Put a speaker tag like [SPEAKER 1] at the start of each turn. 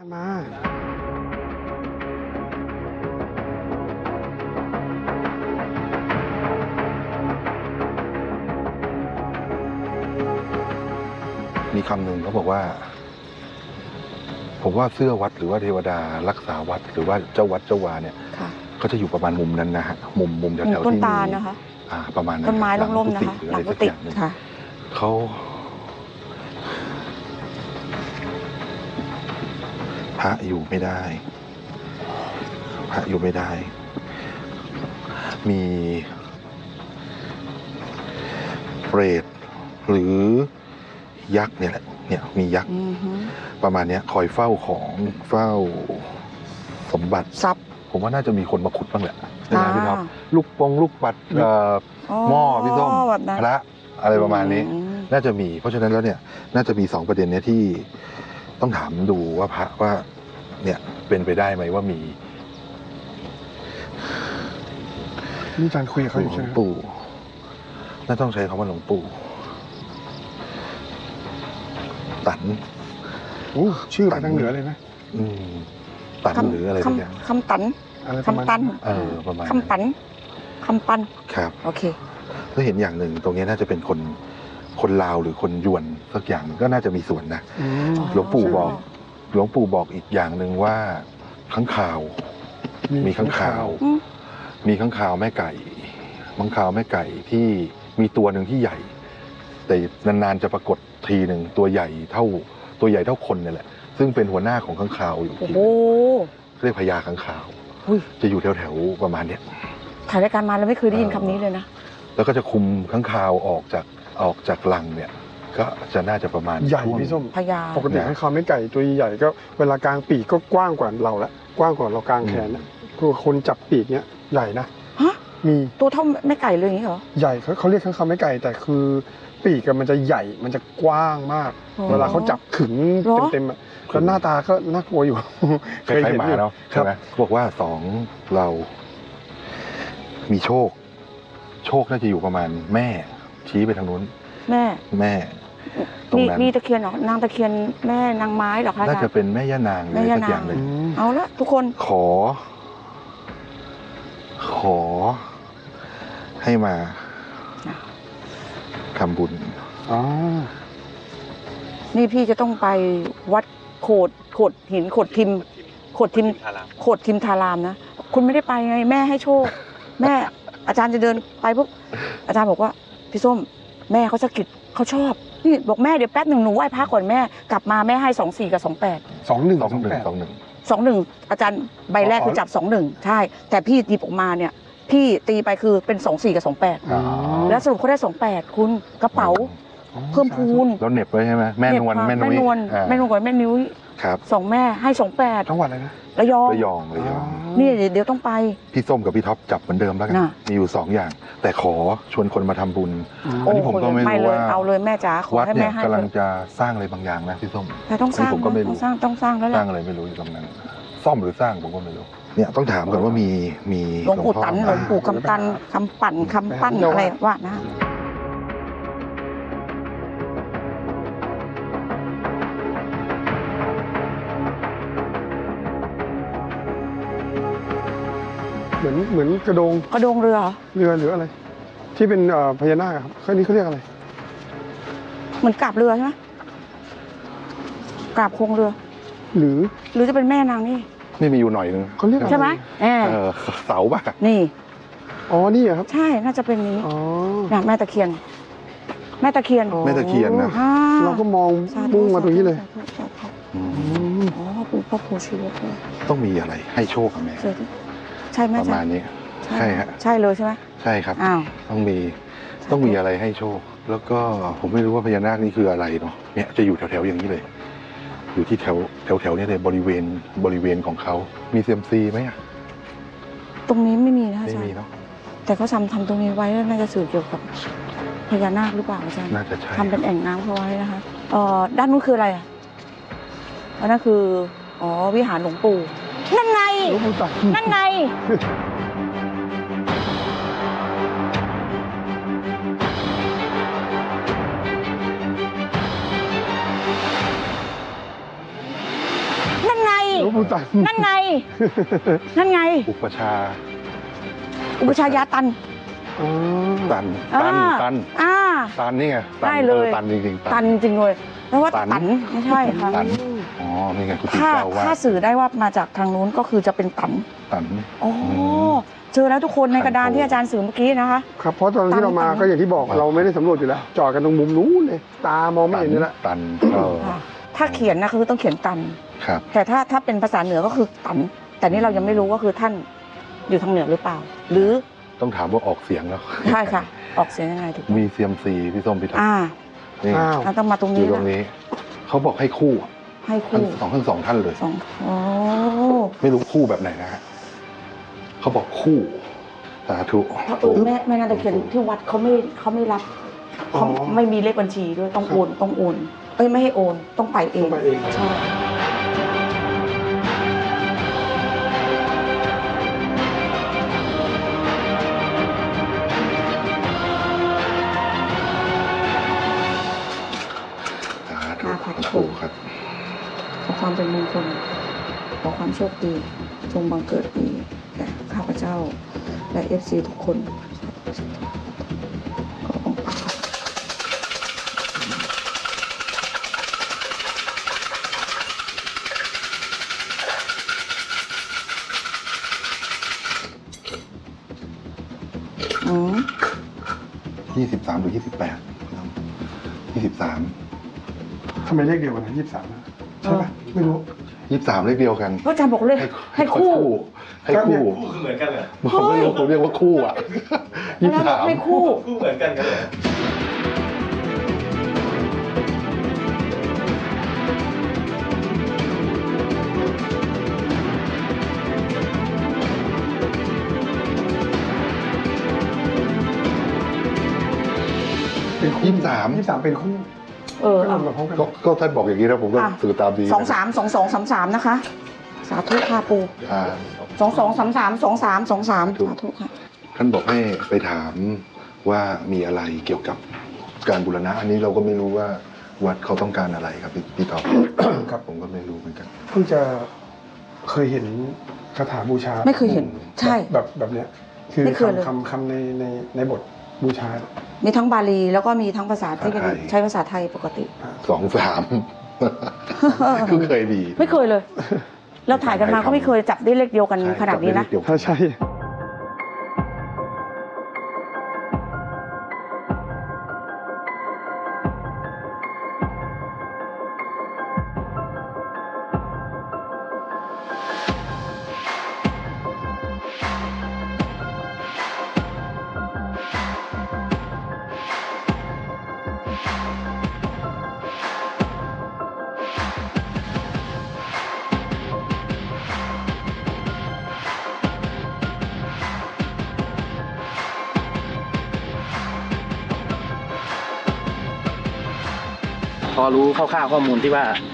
[SPEAKER 1] มา
[SPEAKER 2] มีคำหนึ่งเขาบอกว่าผมว่าเสื้อวัดหรือว่าเทวดารักษาวัดหรือว่าเจ้าวัดเจ้าวาเนี่ยเขาจะอยู่ประมาณมุมนั้นนะฮะมุมแถวๆที่มีต้นตาลนะคะประมาณนั้น
[SPEAKER 3] ต้นไม้ร่มๆนะคะหลังกุฏิค่ะ
[SPEAKER 2] เขาพระอยู่ไม่ได้พระอยู่ไม่ได้มีเปรตหรือยักษ์เนี่ยแหละเนี่ยมียักษ์ประมาณนี้คอยเฝ้าของเฝ้าสมบัติ
[SPEAKER 3] ทรัพย์
[SPEAKER 2] ผมว่าน่าจะมีคนมาขุดบ้างแหละใช่ไหมพี่ท็อปลูกปัดหม้อพี่ส้มพระอะไรประมาณนี้น่าจะมีเพราะฉะนั้นแล้วเนี่ยน่าจะมี2ประเด็นเนี้ยที่ต้องถามดูว่าพระว่าเนี่ยเป็นไปได้ไหมว่ามี
[SPEAKER 1] นี่อาจารย์คุยกับเขาอยู่ใช่ไหม
[SPEAKER 2] หลวงปู่น่าต้องใช้คำว่าหลวงปู่ตัน
[SPEAKER 1] ชื่อไปทางเหนือเลยนะ
[SPEAKER 2] ตันหรืออะไรสักอย่าง
[SPEAKER 3] คำตันคำตัน
[SPEAKER 2] ประมาณ
[SPEAKER 3] คำปัน
[SPEAKER 2] ครับ
[SPEAKER 3] โอเค
[SPEAKER 2] แล้วเห็นอย่างหนึ่งตรงนี้น่าจะเป็นคนลาวหรือคนยวนสักอย่างก็น่าจะมีส่วนนะหลวงปู่บอกอีกอย่างหนึ่งว่าข้างข่าวมีข้างข่าวแม่ไก่ข้างข่าวแม่ไก่ที่มีตัวหนึ่งที่ใหญ่แต่นานๆจะปรากฏทีหนึ่งตัวใหญ่เท่าคนนี่แหละซึ่งเป็นหัวหน้าของข้างข่าวอยู่ที่เรียกพญาข้างข่าวจะอยู่แถวๆประมาณเนี้ย
[SPEAKER 3] ถ่ายรายการมาแล้วไม่เคยได้ยินคำนี้เลยนะ
[SPEAKER 2] แล้วก็จะคุมข้างข่าวออกจากรังเนี่ยก็จะน่าจะประมาณ
[SPEAKER 1] ใหญ่พี่ส้ม
[SPEAKER 3] พญา
[SPEAKER 1] ปกติข้างข่าวไม่ไก่ตัวใหญ่ก็เวลากลางปีกก็กว้างกว่าเราละกว้างกว่าเรากลางแขนนะคือคนจับปีกเนี้ยใหญ่นะมี
[SPEAKER 3] ตัวเท่าแม่ไก่เลยอย่างนี้เหรอ
[SPEAKER 1] ใหญ่เขาเรียกข้างข่าวไม่ไก่แต่คือปีกมันจะใหญ่มันจะกว้างมากเวลาเขาจับขึงเต็มๆแล้วหน้าตาก็น่ากลัวอยู่
[SPEAKER 2] เคยเห็นอยู่ใช่ไหมบอกว่าเรามีโชคน่าจะอยู่ประมาณแม่ชี้ไปทางนู้นแม่
[SPEAKER 3] ตรงนั้นมีตะเคียนเหรอนางตะเคียนแม่นางไม้เหรอคะ
[SPEAKER 2] น่าจะเป็นแม่ย่านางหรือสักอย่างหนึ่ง
[SPEAKER 3] เอาละทุกคน
[SPEAKER 2] ขอให้มาทำบุญ
[SPEAKER 3] นี่พี่จะต้องไปวัดโขดหินโขดทิมทารามนะคุณไม่ได้ไปไงแม่ให้โชคแม่อาจารย์จะเดินไปปุ๊บอาจารย์บอกว่าพี่ส้มแม่เขาสะกิดเขาชอบนี่บอกแม่เดี๋ยวแป๊บหนึ่งหนูไหว้พระก่อนแม่กลับมาแม่ให้24 กับ 28 21อาจารย์ใบแรกคือจับ21ใช่แต่พี่ตีออกมาเนี่ยพี่ตีไปคือเป็น24 กับ 28แล้วสรุปเขาได้28คุณกระเป๋าเพิ่มพูน
[SPEAKER 2] แล้วเหน็บไว้ใช่ไหมแม่นวลกับแม่
[SPEAKER 3] นิ้ว
[SPEAKER 2] ครับ
[SPEAKER 3] 2แม่ให้28
[SPEAKER 1] จังหวัดอะไรนะ
[SPEAKER 2] ระยอง
[SPEAKER 3] นี่เดี๋ยวต้องไป
[SPEAKER 2] พี่ส้มกับพี่ท็อปจับเหมือนเดิมแล้วกันมีอยู่2อย่างแต่ขอชวนคนมาทำบุญอันนี้ผมก็ไม่รู้ว่า
[SPEAKER 3] เอาเลยแม่จ๋าขอให้แม่ให้
[SPEAKER 2] กำลังจะสร้างอะไรบางอย่างนะพี่ส้ม
[SPEAKER 3] แต่ต้องสร้างผมก็ไม่รู้ต้องสร้างแล้วแหละ
[SPEAKER 2] สร้างอะไรไม่รู้อยู่ตรงนั้นซ่อมหรือสร้างผมก็ไม่รู้เนี่ยต้องถามก่อนว่ามี
[SPEAKER 3] หลวงปู่ตันหลวงปู่คำตันคำปั้นอะไรว่านะ
[SPEAKER 1] เหมือนกระโดง
[SPEAKER 3] เรือ
[SPEAKER 1] หรืออะไรที่เป็นพญานาคครับข้างนี้เขาเรียกอะไร
[SPEAKER 3] เหมือนกราบเรือใช่ไหมกราบโครงเรือ
[SPEAKER 1] หรือ
[SPEAKER 3] จะเป็นแม่นางนี่
[SPEAKER 2] มีอยู่หน่อยนึง
[SPEAKER 1] เขาเรียก
[SPEAKER 3] ใช่ไหม
[SPEAKER 2] เสาป่ะ
[SPEAKER 3] นี่
[SPEAKER 1] นี่ครับ
[SPEAKER 3] ใช่น่าจะเป็นนี้แม่ตะเคียนนะ
[SPEAKER 1] เราก็มองมุ่งมาตรงนี้เลย
[SPEAKER 3] พ่อปู่ชีวะ
[SPEAKER 2] ต้องมีอะไรให้โชคกับแม่
[SPEAKER 3] ใช่ไหม
[SPEAKER 2] ประมาณนี้ใช่ฮะ
[SPEAKER 3] ใช่เลยใช่ไหม
[SPEAKER 2] ใช่ครับต้องมีอะไรให้โชคแล้วก็ผมไม่รู้ว่าพญานาคนี่คืออะไรเนาะเนี่ยจะอยู่แถวๆอย่างนี้เลยอยู่ที่แถวนี้เลยบริเวณของเขามีเซียมซีไหม
[SPEAKER 3] ตรงนี้ไม่มีนะ
[SPEAKER 2] ไม่มีเนาะ
[SPEAKER 3] แต่เขาทำตรงนี้ไว้น่าจะสื่อเกี่ยวกับพญานาคหรือเปล่าอาจารย์
[SPEAKER 2] น่าจะใช่
[SPEAKER 3] ทำเป็นแอ่งน้ำเขาไว้นะคะด้านนู้นคืออะไรนั่นคือวิหารหลวงปู่นั่นไงนั่นไง
[SPEAKER 1] หลวงปู่ตัน
[SPEAKER 3] นั่นไง นั่นไง
[SPEAKER 2] อุปชา
[SPEAKER 3] อุปชายาตัน
[SPEAKER 1] อ๋อ
[SPEAKER 2] ตัน
[SPEAKER 3] อ่า อ่า
[SPEAKER 2] ตันนี่ไงตัน
[SPEAKER 3] ได้เลย
[SPEAKER 2] ตันจริงๆ
[SPEAKER 3] ตันจริงเลยแล้วว่า
[SPEAKER 2] ตัน
[SPEAKER 3] ตันไม่ใช่ค่ะ
[SPEAKER 2] ตันอ๋อนี่ไงคุณติ
[SPEAKER 3] ถ้า
[SPEAKER 2] เจ้าว่า
[SPEAKER 3] ถ้าสื่อได้ว่ามาจากทางนู้นก็คือจะเป็นตัน
[SPEAKER 2] ตัน
[SPEAKER 3] อ๋อเจอแล้วทุกคนในกระดาน
[SPEAKER 2] ตันโต
[SPEAKER 3] ที่อาจารย์สื่อเมื่อกี้นะคะ
[SPEAKER 1] ครับเพราะตอนที่เรามา
[SPEAKER 3] ตัน
[SPEAKER 1] ก็อย่างที่บอกเราไม่ได้สำรวจอยู่แล้ว จอดกันตรงมุมนู้นเลย ตามองไม่เห็นนี่แหละ
[SPEAKER 2] ตันก็
[SPEAKER 3] ค่ะถ้าเขียนนะคือต้องเขียนตัน
[SPEAKER 2] ครับ
[SPEAKER 3] แต่ถ้าเป็นภาษาเหนือก็คือตัน แต่นี่เรายังไม่รู้ว่าคือท่านอยู่ทางเหนือหรือเปล่า หรือ
[SPEAKER 2] ต้องถามว่าออกเสียงแล้ว
[SPEAKER 3] ใช่ค่ะ ออกเสียงยังไงถูก
[SPEAKER 2] มีเซียมซีพี่ส้มพี่ท็อป
[SPEAKER 3] อ่า
[SPEAKER 2] นี่
[SPEAKER 1] อ้าว
[SPEAKER 3] ต้องมาตรง
[SPEAKER 2] อ
[SPEAKER 3] นี้
[SPEAKER 2] ยู่ตร
[SPEAKER 3] นะ
[SPEAKER 2] งนี้เขาบอกให้คู่
[SPEAKER 3] ให้
[SPEAKER 2] ทั้ง
[SPEAKER 3] คู่
[SPEAKER 2] สองท่านเลย
[SPEAKER 3] สองโอ้
[SPEAKER 2] ไม่รู้คู่แบบไหนนะฮะเขาบอกคู่สาธุ
[SPEAKER 3] เพราะแม่นาตะเคียนที่วัดเขาไม่รับ
[SPEAKER 1] อ๋อ
[SPEAKER 3] เขาไม่มีเลขบัญชีด้วยต้องโอนต้องโอนเอ้ยไม่ให้โอนต้องไปเอง
[SPEAKER 1] ต้องไปเอง
[SPEAKER 3] ใช่
[SPEAKER 2] สาธุปู่ครับ
[SPEAKER 3] ขอความเป็นมงคลขอความโชคดีจงบังเกิดมีแก่ข้าพเจ้า และ FC ทุกคนขอองค์พระ อืม
[SPEAKER 2] 23หรือ28 23
[SPEAKER 1] ทำไมเลขเดียวกันนะ23นะใช่ปะไม่รู้
[SPEAKER 2] 23เลขเดียวกัน
[SPEAKER 3] พระอาจารย์บอกเลยให้คู่
[SPEAKER 2] ให้คู่
[SPEAKER 4] คู่คือเหมือนกันเหรอ
[SPEAKER 2] ผมไม่รู้ผมเรียกว่าคู่อ่ะ
[SPEAKER 3] พระอาจารย์บอกให้คู่
[SPEAKER 4] คู่เหมือนกันกันเหรอ
[SPEAKER 1] เป็นคู่
[SPEAKER 2] 23
[SPEAKER 1] 23เป็นคู่
[SPEAKER 3] เออ
[SPEAKER 1] ก็
[SPEAKER 3] เอา
[SPEAKER 1] รวมกับพร้อมกัน
[SPEAKER 2] ก็ท่านบอกอย่างนี้นะผมก็
[SPEAKER 3] อ่ะ
[SPEAKER 2] สื่อตามดี
[SPEAKER 3] 232233นะคะ สาธุค่ะปู
[SPEAKER 2] อ่า
[SPEAKER 3] 22332323 สาธุค่ะ
[SPEAKER 2] ท่านบอกให้ไปถามว่ามีอะไรเกี่ยวกับการบูรณะ อันนี้เราก็ไม่รู้ว่าวัดเขาต้องการอะไรครับพี่ตอบ
[SPEAKER 1] ครับ
[SPEAKER 2] ผมก็ไม่รู้เหมือนกัน
[SPEAKER 1] เพิ่งจะเคยเห็นคาถาบูชา
[SPEAKER 3] ไม่เคยเห็น ใช่
[SPEAKER 1] แบบเนี้ยคือ
[SPEAKER 3] ไม่เคยเลย
[SPEAKER 1] คำในบทบูชา
[SPEAKER 3] มีทั้งบาลีแล้วก็มีทั้งภาษาที่เป็น
[SPEAKER 2] ภาษาไทย
[SPEAKER 3] ใช้ภาษาไทยปกติ
[SPEAKER 2] 2-3 คือเคยดี
[SPEAKER 3] ไม่เคยเลย เราถ่ายกันมาก็ไม่เคยจับได้เลขเดียวกันขนาดนี้นะ
[SPEAKER 2] เดี๋ยว
[SPEAKER 1] ถ้าใช่
[SPEAKER 5] พอรู้คร่าวๆข้อมูลที่ว่า